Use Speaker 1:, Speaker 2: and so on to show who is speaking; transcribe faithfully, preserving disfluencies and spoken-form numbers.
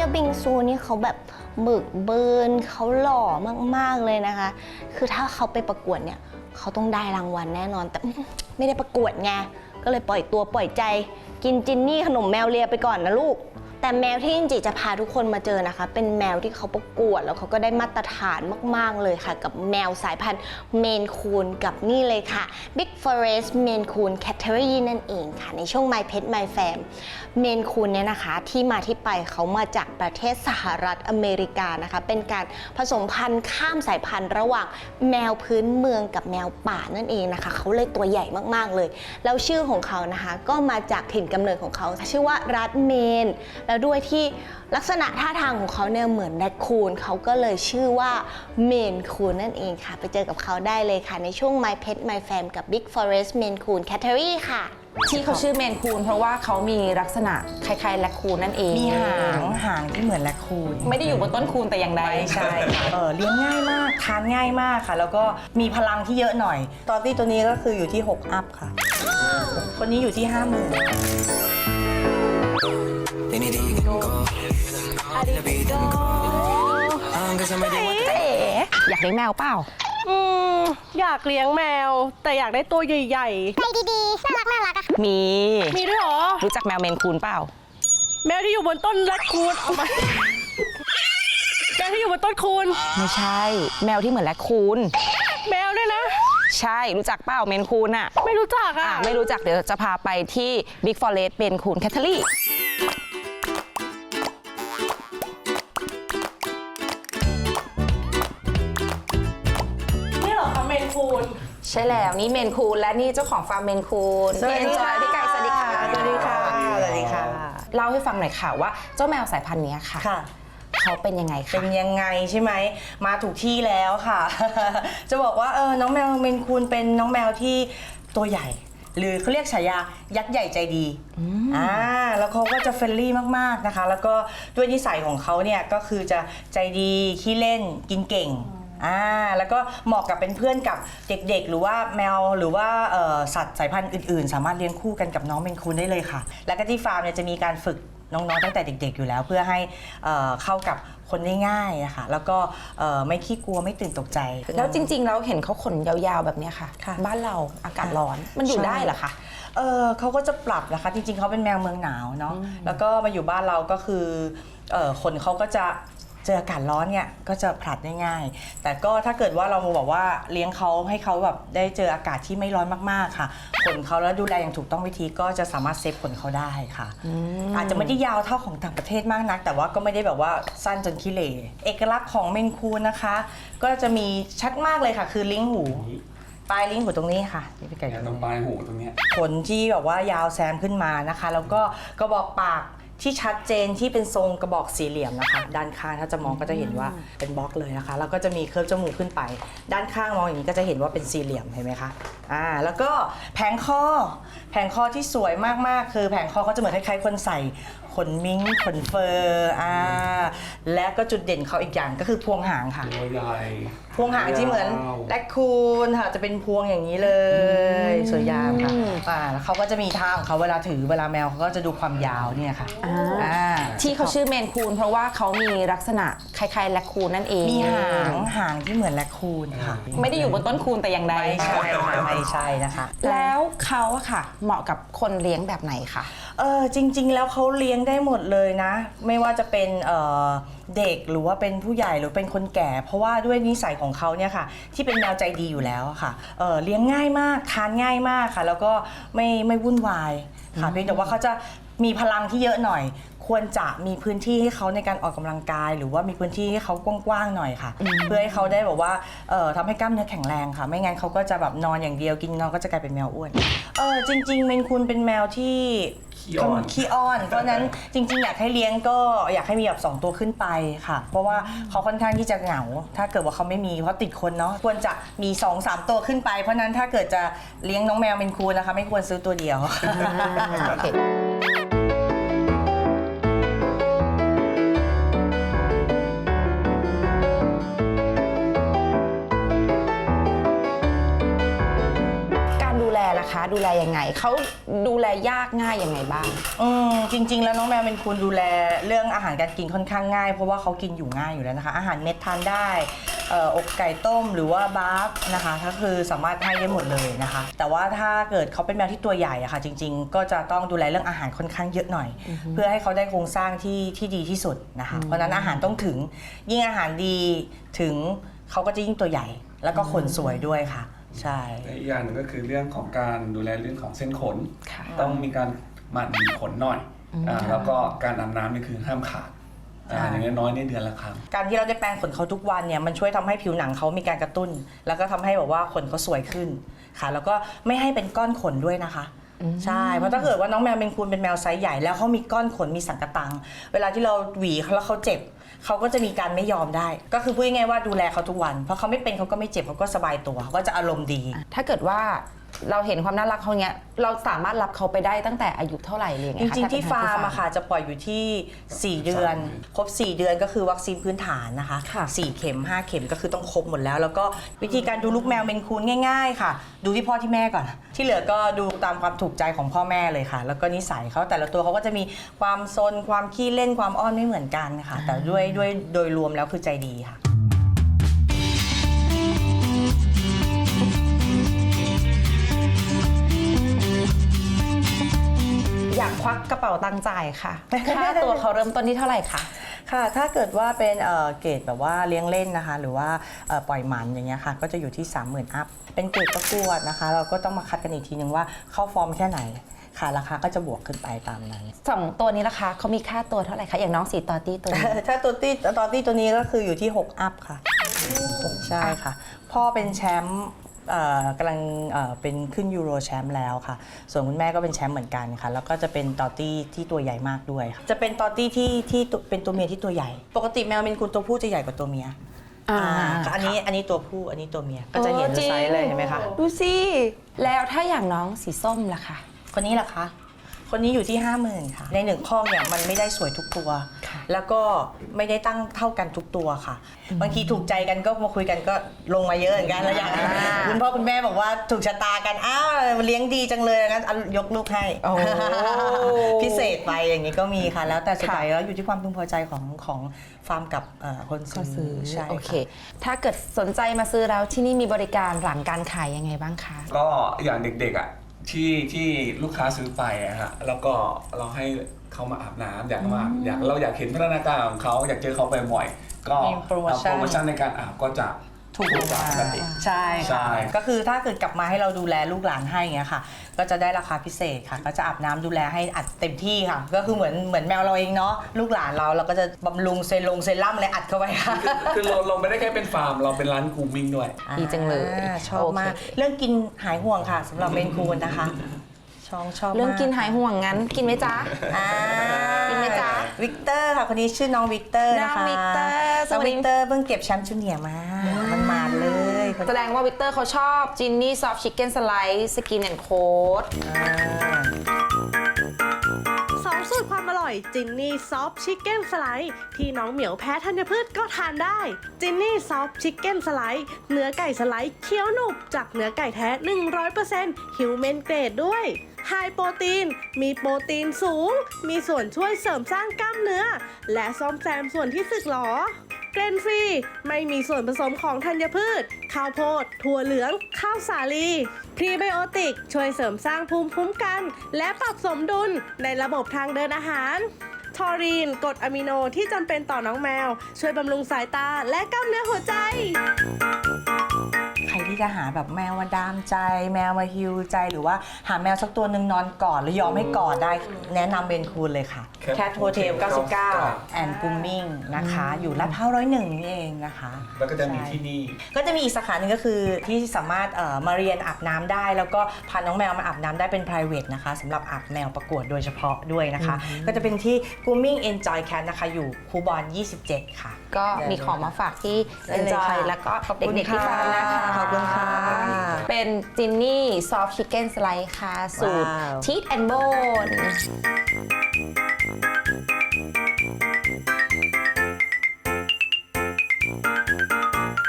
Speaker 1: แล้วบิงซูนี่เขาแบบหมึกเบิร์นเขาหล่อมากๆเลยนะคะ คือถ้าเขาไปประกวดเนี่ยเขาต้องได้รางวัลแน่นอนแต่ไม่ได้ประกวดไงก็เลยปล่อยตัวปล่อยใจกินจินนี่ขนมแมวเลียไปก่อนนะลูกแต่แมวที่จินจิจะพาทุกคนมาเจอนะคะเป็นแมวที่เขาประกวดแล้วเขาก็ได้มาตรฐานมากๆเลยค่ะกับแมวสายพันธุ์เมนคูนกับนี่เลยค่ะ Big Forest Maine Coon Cattery นั่นเองค่ะในช่วง My Pet My Fam เมนคูนเนี่ยนะคะที่มาที่ไปเขามาจากประเทศสหรัฐอเมริกานะคะเป็นการผสมพันธุ์ข้ามสายพันธุ์ระหว่างแมวพื้นเมืองกับแมวป่านั่นเองนะคะเขาเลยตัวใหญ่มากๆเลยแล้วชื่อของเขานะคะก็มาจากถิ่นกำเนิดของเขาชื่อว่ารัฐเมนแล้วด้วยที่ลักษณะท่าทางของเขาเนี่ยเหมือนแรคคูนเขาก็เลยชื่อว่าเมนคูนนั่นเองค่ะไปเจอกับเขาได้เลยค่ะในช่วง My Pet My Fam กับ Big Forest Maine Coon Cattery ค่ะ
Speaker 2: ที่เขาชื่อเมนคูนเพราะว่าเขามีลักษณะคล้ายๆแรคคูนนั่นเอง
Speaker 3: มีหางหางที่เหมือนแรคคูน
Speaker 2: ไม่ได้อยู่บนต้นคูนแต่อย่างใด
Speaker 3: ใช่ค่ะเออเลี้ยงง่ายมากทานง่ายมากค่ะแล้วก็มีพลังที่เยอะหน่อยตอนที่ตัวนี้ก็คืออยู่ที่หกอัพค่ะคนนี้อยู่ที่ห้าหมื่น
Speaker 2: อยากเลี้ยงแมวเปล่า
Speaker 4: อืมอยากเลี้ยงแมวแต่อยากได้ตัวใหญ่ๆใจดีๆน่ารักน่ารักอะ
Speaker 2: มี
Speaker 4: มีด้วยเหรอ
Speaker 2: รู้จักแมวเมนคูนเปล่า
Speaker 4: แมวที่อยู่บนต้นแรคคูนเอามาแมวที่อยู่บนต้นคูน
Speaker 2: ไม่ใช่แมวที่เหมือนแรคคูน
Speaker 4: แมวด้วยนะ
Speaker 2: ใช่รู้จักเปล่าเมนคูนอะ
Speaker 4: ไม่รู้จักอะ
Speaker 2: ไม่รู้จักเดี๋ยวจะพาไปที่ Big Forest Maine Coon Catteryใช่แล้วนี่เมนคูนและนี่เจ้าของฟาร์มเมนคูน
Speaker 3: สวัสดีค่ะ
Speaker 2: พี่ไก่สวัสดีค่ะ
Speaker 3: สวัสดีค่ะสวัสดีค่ะ
Speaker 2: เล่าให้ฟังหน่อยค่ะว่าเจ้าแมวสายพันธุ์นี้ค่ะเขาเป็นยังไงคะ
Speaker 3: เป็นยังไงใช่ไหมมาถูกที่แล้วค่ะจะบอกว่าเออน้องแมวเมนคูนเป็นน้องแมวที่ตัวใหญ่หรือเขาเรียกฉายายักษ์ใหญ่ใจดีอ่าแล้วเขาก็จะเฟรนลี่มากๆนะคะแล้วก็ด้วยนิสัยของเขาเนี่ยก็คือจะใจดีขี้เล่นกินเก่งอ่าแล้วก็เหมาะกับเป็นเพื่อนกับเด็กๆหรือว่าแมวหรือว่าสัตว์สายพันธุ์อื่นๆสามารถเลี้ยงคู่กันกับน้องเมนคูนได้เลยค่ะแล้วก็ที่ฟาร์มเนี่ยจะมีการฝึกน้องๆตั้งแต่เด็กๆอยู่แล้วเพื่อให้เข้ากับคนได้ง่ายนะคะแล้วก็ไม่ขี้กลัวไม่ตื่นตกใจ
Speaker 2: แล้วจริงๆแล้วเห็นเขาขนยาวๆแบบนี้ค่ะบ้านเราอากาศร้อนมันอยู่ได้เหรอคะ
Speaker 3: เออเขาก็จะปรับนะคะจริงๆเขาเป็นแมวเมืองหนาวเนาะแล้วก็มาอยู่บ้านเราก็คือขนเขาก็จะเจออากาศร้อนเนี่ยก็จะผลัดได้ง่ายแต่ก็ถ้าเกิดว่าเราบอกว่าเลี้ยงเขาให้เขาแบบได้เจออากาศที่ไม่ร้อนมากๆค่ะขนเขาแล้วดูแลอย่างถูกต้องวิธีก็จะสามารถเซฟขนเขาได้ค่ะอาจจะไม่ได้ยาวเท่าของต่างประเทศมากนักแต่ว่าก็ไม่ได้แบบว่าสั้นจนขี้เหร่เอกลักษณ์ของเมนคูนนะคะก็จะมีชัดมากเลยค่ะคือลิ้งหูปลายลิ้นหูตรงนี้ค่ะนี่พี่ไก่
Speaker 5: ตรงปลายหูตรงนี้
Speaker 3: ขนที่แบบว่ายาวแซมขึ้นมานะคะแล้วก็กระบอกปากที่ชัดเจนที่เป็นทรงกระบอกสี่เหลี่ยมนะคะด้านข้างถ้าจะมองก็จะเห็นว่าเป็นบล็อกเลยนะคะแล้วก็จะมีเคิร์ฟจมูกขึ้นไปด้านข้างมองอย่างนี้ก็จะเห็นว่าเป็นสี่เหลี่ยมเห็นไหมคะอ่าแล้วก็แผงคอแผงคอที่สวยมากๆคือแผงคอเขาจะเหมือนคล้ายๆคนใส่ขนมิ้งขนเฟอร์อ่าและก็จุดเด่นเขาอีกอย่างก็คือพวงหางค่ะพวงหางที่เหมือนแรคคูนค่ะจะเป็นพวงอย่างนี้เลยสวยงามค่ะอ่าแล้วเขาก็จะมีท่าของเขาเวลาถือเวลาแมวเขาก็จะดูความยาวเนี่ยค่ะ
Speaker 2: ที่เขาชื่อเมนคูนเพราะว่าเขามีลักษณะคล้ายๆแรคคูนนั่นเอง
Speaker 3: มีหางหางที่เหมือนแรคคูนค่ะ
Speaker 2: ไม่ได้อยู่บนต้นคูนแต่อย่างใด
Speaker 3: ไม่ใช่ค่ะไม่ใช่นะคะ
Speaker 2: แล้วเขาอะค่ะเหมาะกับคนเลี้ยงแบบไหนคะ
Speaker 3: เออจริงๆแล้วเขาเลี้ยงได้หมดเลยนะไม่ว่าจะเป็นเเด็กหรือว่าเป็นผู้ใหญ่หรือเป็นคนแก่เพราะว่าด้วยนิสัยของเขาเนี่ยค่ะที่เป็นแมวใจดีอยู่แล้วค่ะ เ, เลี้ยงง่ายมากทานง่ายมากค่ะแล้วก็ไม่ไม่วุ่นวายค่ะเพียงแต่ว่าเขาจะมีพลังที่เยอะหน่อยควรจะมีพื้นที่ให้เขาในการออกกำลังกายหรือว่ามีพื้นที่ให้เขากว้างๆหน่อยค่ะเพื่อให้เขาได้แบบว่าทำให้กล้ามเนื้อแข็งแรงค่ะไม่งั้นเขาก็จะแบบนอนอย่างเดียวกินนอนก็จะกลายเป็นแมวอ้วนเออจริงๆเมนคูนเป็นแมวที่ขี้อ้อนเพราะนั้นจริงๆอยากให้เลี้ยงก็อยากให้มีแบบสองตัวขึ้นไปค่ะเพราะว่าเขาค่อนข้างที่จะเหงาถ้าเกิดว่าเขาไม่มีเพราะติดคนเนาะควรจะมี สองสาม ตัวขึ้นไปเพราะนั้นถ้าเกิดจะเลี้ยงน้องแมวเมนคูนนะคะไม่ควรซื้อตัวเดียว
Speaker 2: ดูแลลยังไงเขาดูแลยากง่ายยังไงบ้าง
Speaker 3: อืมจริงๆแล้วน้องแมวเป็นคุณดูแลเรื่องอาหารการกินค่อนข้างง่ายเพราะว่าเขากินอยู่ง่ายอยู่แล้วนะคะอาหารเม็ดทานได้เอ่ออกไก่ต้มหรือว่าบาร์ฟนะคะก็คือสามารถให้ได้หมดเลยนะคะแต่ว่าถ้าเกิดเขาเป็นแมวที่ตัวใหญ่อะค่ะจริงๆ ก็จะต้องดูแลเรื่องอาหารค่อนข้างเยอะหน่อย เพื่อให้เขาได้โครงสร้างที่ที่ดีที่สุดนะคะเพราะฉะนั้นอาหารต้องถึงยิ่งอาหารดีถึงเขาก็จะยิ่งตัวใหญ่ แล้วก็ขนสวยด้วยค่ะใช่
Speaker 5: และอีกอย่างหนึ่งก็คือเรื่องของการดูแลเรื่องของเส้นขน
Speaker 2: ค่ะ
Speaker 5: ต้องมีการหมั่นขนหน่อยอ่าแล้วก็การอาบน้ำนี่คือห้ามขาดอ่าอย่างน้อยๆนี่เดือนละครั้ง
Speaker 3: การที่เราได้แปรงขนเขาทุกวันเนี่ยมันช่วยทำให้ผิวหนังเขามีการกระตุ้น แล้วก็ทำให้แบบว่าขนเขาสวยขึ้นค่ะแล้วก็ไม่ให้เป็นก้อนขนด้วยนะคะใช่เพราะถ้าเกิดว่าน้องแมวเป็นคุณเป็นแมวไซส์ใหญ่แล้วเขามีก้อนขนมีสังกะตัง เวลาที่เราหวีเขาแล้วเขาเจ็บเขาก็จะมีการไม่ยอมได้ ก็คือพูดง่ายๆว่าดูแลเขาทุกวันเพราะเขาไม่เป็นเขาก็ไม่เจ็บเขาก็สบายตัวก็จะอารมณ์ดี
Speaker 2: ถ้าเกิดว่าเราเห็นความน่ารักเขาเนี้ยเราสามารถรับเขาไปได้ตั้งแต่อายุเท่าไหร่เลยไง
Speaker 3: จ
Speaker 2: คะ
Speaker 3: ริง
Speaker 2: ถ้
Speaker 3: ๆที่
Speaker 2: เป็น
Speaker 3: ฟาร์ม
Speaker 2: ที่
Speaker 3: อะค่ะจะปล่อยอยู่ที่สี่เดือน ครบสี่เดือนก็คือวัคซีนพื้นฐานนะคะ
Speaker 2: ค่ะ
Speaker 3: สี่เข็มห้าเข็มก็คือต้องครบหมดแล้ว แล้วก็วิธีการดูลูกแมวเมนคูนง่าย ๆ ค่ะ ดูที่พ่อที่แม่ก่อน ที่เหลือก็ดูตามความถูกใจของพ่อแม่เลยค่ะ แล้วก็นิสัยเขาแต่ละตัวเขาก็จะมีความซนความขี้เล่นความอ้อนไม่เหมือนกันค่ะ แต่ด้วยด้วยโดยรวมแล้วคือใจดีค่ะ
Speaker 2: อยากควักกระเป๋าตังค์จ่ายค่ะ ค่าตัวเขาเริ่มต้นที่เท่าไหร่คะ
Speaker 3: ค่ะถ้าเกิดว่าเป็นเอ่อเกรดแบบว่าเลี้ยงเล่นนะคะ หรือว่าเอ่อปล่อยหมันอย่างเงี้ยค่ะก็จะอยู่ที่ สามหมื่น อัพเป็นเกรดประกวดนะคะ เราก็ต้องมาคัดกันอีกทีนึงว่าเข้าฟอร์มแค่ไหนค่ะราคาก็จะบวกขึ้นไปตามนั้น
Speaker 2: สองตัวนี้ราคาเขามีค่าตัวเท่าไหร่คะอย่างน้องสีตอตี้ตัวนี้
Speaker 3: ถ้าตัวตี้ตอนตี้ตัวนี้ก็คืออยู่ที่ หก อัพค่ะใช่ค่ะ พ่อเป็นแชมป์เอ่อกำลังเอ่อเป็นขึ้นยูโรแชมป์แล้วค่ะ ส่วนคุณแม่ก็เป็นแชมป์เหมือนกันค่ะ แล้วก็จะเป็นตอตี้ที่ตัวใหญ่มากด้วยค่ะจะเป็นตอตี้ที่ที่ตัวเป็นตัวเมียที่ตัวใหญ่ ปกติแมวเมนคูนตัวผู้จะใหญ่กว่าตัวเมีย
Speaker 2: อ่า
Speaker 3: อ่าอันนี้อันนี้ตัวผู้อันนี้ตัวเมียก็จะเห็น
Speaker 2: จริง
Speaker 3: ไซส์เลยเห็นไหมคะ
Speaker 2: ดูสิ แล้วถ้าอย่างน้องสีส้มล่ะคะ
Speaker 3: คนนี้ล่ะคะ คนนี้อยู่ที่ ห้าหมื่น ค่ะ ในหนึ่งข้อเนี่ยมันไม่ได้สวยทุกตัว
Speaker 2: ค่ะ
Speaker 3: แล้วก็ไม่ได้ตั้งเท่ากันทุกตัวค่ะ บางทีถูกใจกันก็มาคุยกันก็ลงมาเยอะเหมือนกันแล้วอย่างคุณพ่อคุณแม่บอกว่าถูกชะตากัน อ้าวเลี้ยงดีจังเลยงั้นเอายกลูกให้
Speaker 2: โอ้
Speaker 3: พิเศษไปอย่างนี้ก็มีค่ะ แล้วแต่สุดท้ายแล้วอยู่ที่ความพึงพอใจของของฟาร์มกับเอ่อคน
Speaker 2: เขาซื้
Speaker 3: ซื้
Speaker 2: อ
Speaker 3: อใช่
Speaker 2: โอเค
Speaker 3: ค่ะ
Speaker 2: ถ้าเกิดสนใจมาซื้อแล้วที่นี่มีบริการหลังการขายยังไงบ้างคะ
Speaker 5: ก็อย่างเด็กๆอ่ะที่ที่ลูกค้าซื้อไปอะฮะแล้วก็เราให้เขามาอาบน้ำอยากมาอยากเราอยากเห็นพัฒนาการของเขาอยากเจอเขาบ่อยๆก็
Speaker 3: มีโปรโมชั่น
Speaker 5: โปรโมชั่นในการอาบก็จะ
Speaker 3: ถูก
Speaker 5: กว่าปกติ
Speaker 3: ใช่
Speaker 5: ใช่
Speaker 3: ค่ะก็คือถ้าเกิดกลับมาให้เราดูแลลูกหลานให้อย่างเงี้ยค่ะ ก็จะได้ราคาพิเศษค่ะ ก็จะอาบน้ำดูแลให้อัดเต็มที่ค่ะ ก็คือเหมือนเหมือนแมวเราเองเนาะลูกหลานเราเราก็จะบำรุงเซรั่มเซรั่มเลยอัดเข้าไปค่ะ
Speaker 5: คือเราเราไม่ได้แค่เป็นฟาร์มเราเป็นร้านกรูมมิ่งด้วย
Speaker 2: ดีจังเลย
Speaker 3: อ่าชอบมาก
Speaker 2: โอเค
Speaker 3: เรื่องกินหายห่วงค่ะสำหรับเมนคูนนะคะชองชอบมาก
Speaker 2: เรื่องกินหายห่วงงั้นกินไหมจ๊ะ
Speaker 3: อ่า
Speaker 2: กินไหมจ๊ะ
Speaker 3: วิกเตอร์ค่ะคนนี้ชื่อน้องวิกเตอร์นะคะ
Speaker 2: น้องวิกเตอร์ส
Speaker 3: น้อง
Speaker 2: วัสดี
Speaker 3: วิกเตอร์เพิ่งเก็บแชมป์จูเนียร์มามันมาเลยคน
Speaker 2: แสดงว่าวิกเตอร์เขาชอบจินนี่ซอฟต์ชิคเก้นสไลด์สกินแอนด์โค้ด
Speaker 3: อ่า
Speaker 4: สองสูตรความอร่อยจินนี่ซอฟชิคเก้นสไลด์ที่น้องเหมียวแพ้ธัญพืชก็ทานได้จินนี่ซอฟชิคเก้นสไลด์เนื้อไก่สไลด์เคี้ยวหนุบจากเนื้อไก่แท้ หนึ่งร้อยเปอร์เซ็นต์ ฮิวแมนเกรดด้วยไฮโปรตีนมีโปรตีนสูง มีส่วนช่วยเสริมสร้างกล้ามเนื้อ และซ่อมแซมส่วนที่สึกหรอ เกรนฟรีไม่มีส่วนผสมของธัญพืช ข้าวโพด ถั่วเหลือง ข้าวสาลีพรีไบโอติกช่วยเสริมสร้างภูมิคุ้มกัน และปรับสมดุลในระบบทางเดินอาหาร ทอรีนกรดอะมิโนที่จำเป็นต่อน้องแมว ช่วยบำรุงสายตาและกล้ามเนื้อหัวใจ
Speaker 3: ใครที่จะหาแบบแมวมาดามใจ แมวมาฮิวใจหรือว่าหาแมวสักตัวหนึ่งนอนกอดหรือยอมให้กอดได้แนะนำเบนคูนเลยค่ะ
Speaker 5: Cat
Speaker 3: Cat Hotel
Speaker 5: Hotel
Speaker 3: เก้าสิบเก้า
Speaker 5: เก้าสิบเก้า
Speaker 3: and Grooming นะคะ อยู่ลาดพร้าวร้อยหนึ่งนี่เองนะคะ
Speaker 5: แล้วก็จะมี
Speaker 3: ใช่
Speaker 5: ที่นี่
Speaker 3: ก็จะมีอีกสาขาหนึ่งก็คือที่สามารถเอ่อมาเรียนอาบน้ำได้ แล้วก็พาน้องแมวมาอาบน้ำได้เป็น private นะคะสำหรับอาบแมวประกวดโดยเฉพาะด้วยนะคะ ก็จะเป็นที่ Grooming Enjoy Cat นะคะอยู่คูบอนยี่สิบเจ็ดค่ะ
Speaker 2: ก็มีของมาฝากที่
Speaker 3: ได้เลยค่ะ
Speaker 2: Enjoy แล้วก็
Speaker 3: ขอบคุณ
Speaker 2: เด็กๆที่ฟังนะคะ
Speaker 3: ขอบคุณค่ะ
Speaker 2: เป็นจินนี่ซอฟต์ชิคเก้นสไลด์ค่ะ สูตร
Speaker 3: ว้าว
Speaker 2: ชีสแอนด์โบน